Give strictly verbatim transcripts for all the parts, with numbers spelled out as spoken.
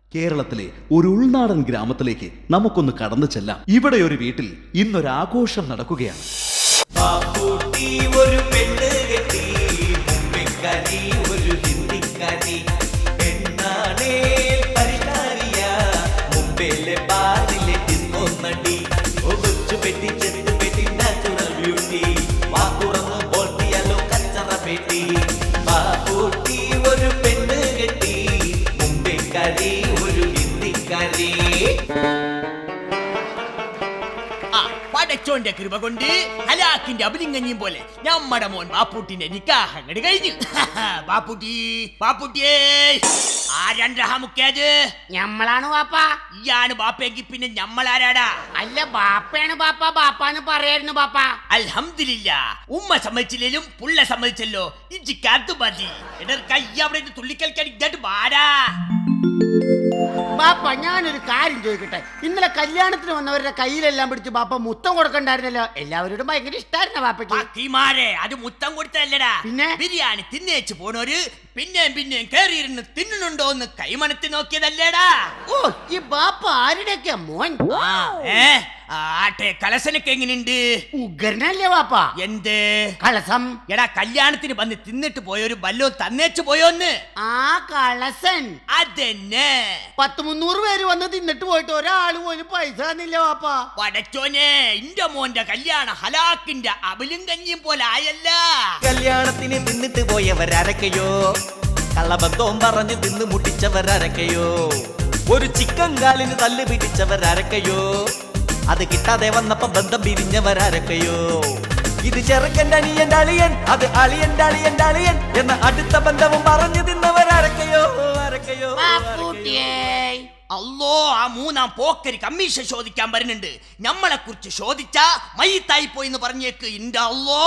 കേരളത്തിലെ ഒരു ഉൾനാടൻ ഗ്രാമത്തിലേക്ക് നമുക്കൊന്ന് കടന്നു ചെല്ലാം. ഇവിടെ ഒരു വീട്ടിൽ ഇന്നൊരാഘോഷം നടക്കുകയാണ്. ഒരു പെണ്ണ് കെട്ടി മുമ്പിക്കരി ഒരു ഹിന്ദിക്കരി പെണ്ണാണേ പരിഹാരിയ മുമ്പിലെ ബാറിലെ തിന്നൊന്നടി ഒച്ചു പെട്ടി ചെത്ത് പെട്ടി നാച്ചുറൽ ബ്യൂട്ടി വാക്കുറന്ന് പോട്ടിയല്ലോ കച്ചറ പെട്ടി ബാപ്പൂട്ടി ഒരു പെണ്ണ് കെട്ടി മുമ്പിക്കരി ഒരു ഹിന്ദിക്കരി. പടച്ചോന്റെ കൃപ കൊണ്ട് ഹലാക്കിന്റെ അഭിലിംഗഞ്ഞിയും പോലെ നമ്മടെ മോൻ ബാപ്പൂട്ടിന്റെ നിക്കാഹ് അങ്ങട് കഴിഞ്ഞു. ബാപ്പൂട്ടി ബാപ്പൂട്ടിയേ ആരണ്ടത് ഞമ്മളാണ് ബാപ്പ. ഇയാണ് ബാപ്പയെങ്കിൽ പിന്നെ ഞമ്മളാരാടാ? അല്ല ബാപ്പയാണ് ബാപ്പ, ബാപ്പാന്ന് പറയായിരുന്നു ബാപ്പ. അൽഹംദുലില്ലാ, ഉമ്മ സമ്മതിച്ചില്ലേലും പുള്ള സമ്മതിച്ചല്ലോ. ഇജിക്കാത്തു മതി. എടർ കൈ അവിടെ തുള്ളിക്കൽക്കാൻ ഇങ്ങോട്ട് വാടാ. ബാപ്പ ഞാനൊരു കാര്യം ചോദിക്കട്ടെ, ഇന്നലെ കല്യാണത്തിന് വന്നവരുടെ കയ്യിലെല്ലാം പിടിച്ച് ബാപ്പ മുത്തം കൊടുക്കണ്ടായിരുന്നല്ലോ? എല്ലാവരോടും ഭയങ്കര ഇഷ്ടമായിരുന്ന ബാപ്പയ്ക്ക്. അത് മുത്തം കൊടുത്തല്ലടാ, പിന്നെ ബിരിയാണി തിന്നേച്ച് പോണോര് പിന്നെയും പിന്നെയും കേറിയിരുന്ന് തിന്നുന്നുണ്ടോ എന്ന് കൈമണത്തി നോക്കിയതല്ലേടാ? ഓ, ഈ ബാപ്പ ആരുടെയൊക്കെ മോൻ? ആട്ടെ, കലസനൊക്കെ എങ്ങനെയുണ്ട്? ഉഗ്രനല്ലേ ബാപ്പ? എന്ത് കളസം? എടാ, കല്യാണത്തിന് വന്ന് തിന്നിട്ട് പോയൊരു വല്ലോ തന്നേച്ചു പോയോന്ന്? ആ കളസൻ അതെന്നെ. പത്ത് മുന്നൂറ് പേര് വന്ന് തിന്നിട്ട് പോയിട്ട് ഒരാള് പോലും പൈസ തന്നില്ല ബാപ്പ. പടച്ചോനെ, ഇന്റെ മോന്റെ കല്യാണ ഹലാക്കിന്റെ അബിലും കഞ്ഞിയും പോലെ ആയല്ല. കല്യാണത്തിന് തിന്നിട്ട് പോയവരരക്കയോ, കള്ളബന്ധവും പറഞ്ഞ് തിന്ന് മുട്ടിച്ചവരരക്കയോ, ഒരു ചിക്കൻ കാലിന് തല്ല് പിടിച്ചവരരക്കയോ, അത് കിട്ടാതെ വന്നപ്പോ ബന്ധം പിരിഞ്ഞവരരക്കയോ, ഇത് ചെറുക്കൻ്റെ അണിയൻ്റെ അളിയൻ, അത് അളിയൻ്റെ അളിയൻ്റെ അളിയൻ എന്ന അടുത്ത ബന്ധവും പറഞ്ഞു തിന്നവരരക്കയോ അരക്കയോ. അല്ലോ, ആ മൂന്നാം പോക്കരി കമ്മീഷൻ ചോദിക്കാൻ വരുന്നുണ്ട്. ഞമ്മളെ കുറിച്ച് ചോദിച്ചാ മയ്യത്തായി പോയിന്ന് പറഞ്ഞേക്ക്. ഇന്റെ അല്ലോ.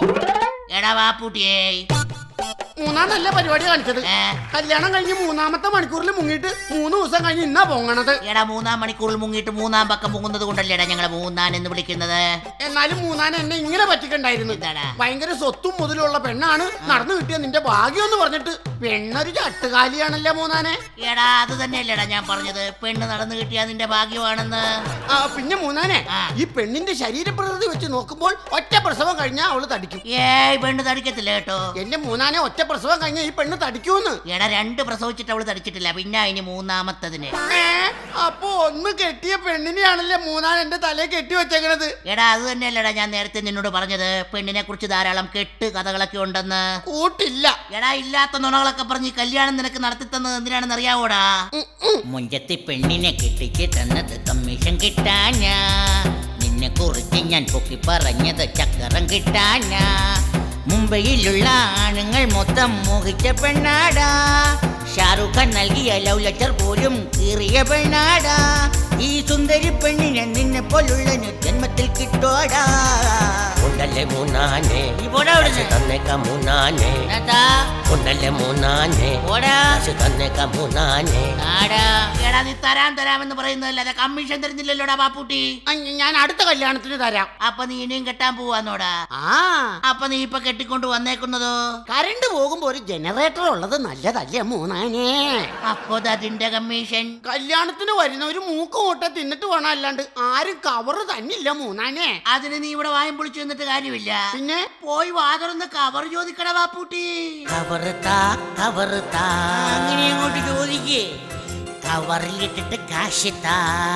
എടാ ബാപ്പൂട്ടിയേ, മൂന്നാം നല്ല പരിപാടി കാണിച്ചത്. കല്യാണം കഴിഞ്ഞ് മൂന്നാമത്തെ മണിക്കൂറിൽ മുങ്ങിയിട്ട് മൂന്ന് ദിവസം കഴിഞ്ഞ് ഇന്നാ പൊങ്ങണത്. എടാ, മൂന്നാം മണിക്കൂറിൽ മുങ്ങിയിട്ട് മൂന്നാം പക്കം പൊങ്ങുന്നത് കൊണ്ടല്ലേടാ ഞങ്ങളെ മൂന്നാൻ എന്ന് വിളിക്കുന്നത്. എന്നാലും മൂന്നാൻ എന്നെ ഇങ്ങനെ പറ്റിക്കണ്ടായിരുന്നു. ഭയങ്കര സ്വത്തും മുതലുള്ള പെണ്ണാണ്, നടന്നു കിട്ടിയ നിന്റെ ഭാഗ്യം എന്ന് പറഞ്ഞിട്ട് പെണ്ണൊരു ചട്ടുകാലിയാണല്ലേ മൂന്നാനെ. എടാ, അത് തന്നെയല്ലേടാ ഞാൻ പറഞ്ഞത്, പെണ്ണ് നടന്നു കിട്ടിയ നിന്റെ ഭാഗ്യമാണെന്ന്. ആ പിന്നെ മൂന്നാനെ, ഈ പെണ്ണിന്റെ ശരീരപ്രകൃതി വെച്ച് നോക്കുമ്പോൾ ഒറ്റ പ്രസവം കഴിഞ്ഞാൽ അവള് തടിക്കും. ഏയ്, പെണ്ണ് തടിക്കത്തില്ല കേട്ടോ. എന്റെ മൂന്നാനെ ഒറ്റ പ്രസവം കഴിഞ്ഞ ഈ പെണ്ണ് തടിക്കൂന്ന്. എടാ, രണ്ട് പ്രസവിച്ചിട്ട് അവള് തടിച്ചിട്ടില്ല, പിന്നെ അതിന് മൂന്നാമത്തതിന്. അപ്പൊ ഒന്ന് കെട്ടിയ പെണ്ണിനെയാണല്ലേ മൂന്നാൻ എന്റെ തലയെ കെട്ടി വെച്ചേക്കണത്. എടാ, അത് തന്നെയല്ലടാ ഞാൻ നേരത്തെ നിന്നോട് പറഞ്ഞത്, പെണ്ണിനെ കുറിച്ച് ധാരാളം കെട്ട് കഥകളൊക്കെ ഉണ്ടെന്ന്. കൂട്ടില്ല. എടാ, ഇല്ലാത്ത നുണകളൊക്കെ പറഞ്ഞ് കല്യാണം നിനക്ക് നടത്തി തന്നത് എന്തിനാണെന്ന് അറിയാവോടാ? മുഞ്ചത്തി പെണ്ണിനെ കെട്ടിച്ച് തന്നത് കമ്മീഷൻ കിട്ടാനാ, നിന്നെ കുറിച്ച് ഞാൻ പൊക്കി പറഞ്ഞത് ചക്കരം കിട്ടാനാ. മുംബൈയിലുള്ള ആണുങ്ങൾ മൊത്തം മോഹിച്ച പെണ്ണാടാ, ഷാറുഖ് ഖാൻ നൽകിയ ലവ് ലെറ്റർ പോലും കീറിയ പെണ്ണാടാ. ഈ സുന്ദരി പെണ്ണിനെ നിന്നെ പോലുള്ള ജന്മത്തിൽ കിട്ടോടാ. ഉണ്ടല്ലേ മൂന്നാനെ തന്നേക്ക മൂന്നാനെ, ഉണ്ടല്ലേ മൂന്നാനെ തന്നേക്ക മൂന്നാനെ. എടാ, നീ തരാൻ തരാമെന്ന് പറയുന്നതല്ലാതെ കമ്മീഷൻ തരുന്നില്ലല്ലോടാ ബാപ്പൂട്ടി. ഞാൻ അടുത്ത കല്യാണത്തിന് തരാം. അപ്പൊ നീ ഇനിയും കെട്ടാൻ പോവാന്നോടാ? ആ, അപ്പൊ നീ ഇപ്പൊ കെട്ടിക്കൊണ്ട് വന്നേക്കുന്നതോ? കറണ്ട് പോകുമ്പോ ഒരു ജനറേറ്റർ ഉള്ളത് നല്ലതല്ലേ മൂന്നാനെ? അപ്പൊ അതിന്റെ കമ്മീഷൻ? കല്യാണത്തിന് വരുന്നവര് മൂക്ക് കൂട്ട തിന്നിട്ട് വേണം, അല്ലാണ്ട് ആരും കവറ് തന്നില്ല മൂന്നാനെ. അതിന് നീ ഇവിടെ വായും പൊളിച്ചു നിന്നിട്ട് കാര്യമില്ല. പിന്നെ പോയി വാതുറന്ന് കവർ ചോദിക്കട ബാപ്പൂട്ടി. കവറുത്താ കവറുത്താ അങ്ങനെ അങ്ങോട്ട് ചോദിക്കേ. കവറിലിട്ടിട്ട് കാശിത്താ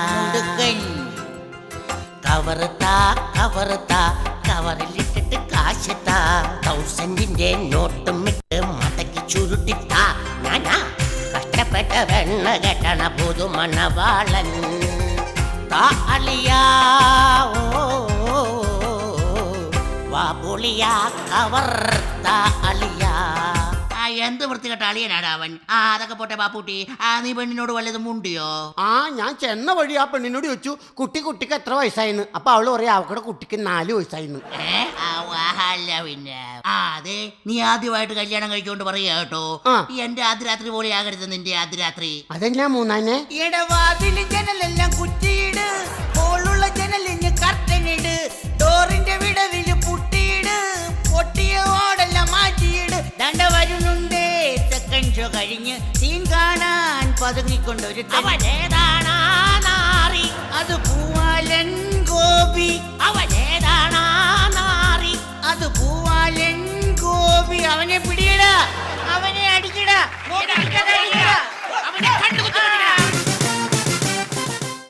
കവറുത്താ കവറുത്താ കവറിലിട്ടിട്ട് കാശിത്താ. തൗസൻഡിന്റെ നോട്ടും ഇട്ട് മടക്കി ചുരുട്ടിത്താ. ഞാനാ കഷ്ടപ്പെട്ട വെണ്ണ കെട്ടണ പുതുമണവാളൻ താ അളിയാ. ഓ വാ പൊളിയാ കവർ താ അളിയാ. എന്ത് വൃത്തികെട്ട അളിയനാടാ അവൻ. ആ, അതൊക്കെ പോട്ടെ ബാപ്പൂട്ടി. ആ, നീ പെണ്ണിനോട് വല്ലതും മുണ്ടിയോ? ആ, ഞാൻ ചെന്ന വഴി ആ പെണ്ണിനോട് ചോദിച്ചു കുട്ടി കുട്ടിക്ക് എത്ര വയസ്സായിന്ന്. അപ്പൊ അവള് പറയാ അവക്കടെ കുട്ടിക്ക് നാല് വയസ്സായിന്ന്. അല്ല പിന്നെ. ആ, അതെ, നീ ആദ്യമായിട്ട് കല്യാണം കഴിച്ചോണ്ട് പറയാ കേട്ടോ, എന്റെ ആദ്യരാത്രി പോലെ ആകരുത് നിന്റെ ആദ്യരാത്രി. അതെന്നാ മൂന്നാനെ? ഇടവാതിൽ ജനലെല്ലാം കുറ്റിയിട്, ഹോളുള്ള ജനലിന് കർട്ടനിട്, ഡോറിന്റെ വിടവില് പുട്ടിയിട്, പൊട്ടിയ ഓടെല്ലാം മാറ്റിയിട്. ദണ്ട വരുന്നുണ്ടേ സെക്കൻഡ് ഷോ കഴിഞ്ഞ് സീൻ കാണാൻ പതുങ്ങിക്കൊണ്ടൊരു അവനേതാണാ നാറി അത് പൂവാലൻ ഗോപി അവനേതാണാ നാറി അത് പൂവാലൻ ഗോപി അവനെ പിടിയടാ അവനെ അടിക്കടാ